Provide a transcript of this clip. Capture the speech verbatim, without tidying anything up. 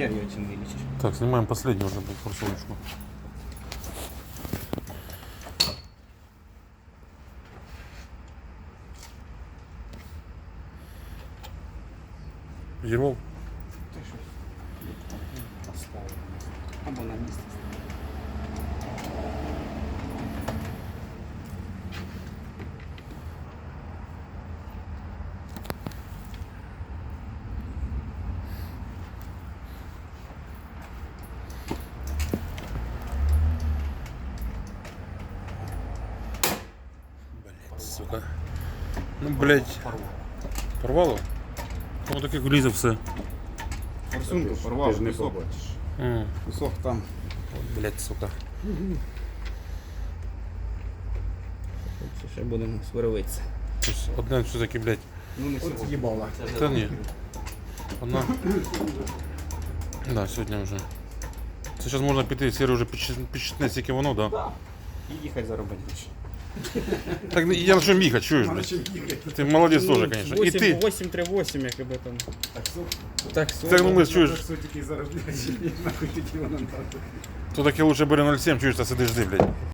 хер ее этим вылечишь. Так, снимаем последнюю уже форсовочку. Взорвал? Або на місці. Блять, сука. Ну, блять. Порвало? Ну, таке лізе все. Форсунку порвав, кусок. М, Кусок там. от, блять, сука. Ще будемо сверлитися. Щось одне все таки, блять. Ну не сьогодні. Їбала. Та ні. Одна. Да, сьогодні вже. Це зараз можна піти, Сірі вже підчитне, скільки воно, да? І їхати заробити гроші. Так я на чому їхати, чуєш, блядь? Ти молодець теж, звісно. І ти. вісім три вісім, якби там. Таксо. Це, ну, ми, чуєш, Тільки заробляють, нахуй тоді вона надо. то таки лучше бери ноль сім, чуєш, та сидиш, жди, блядь.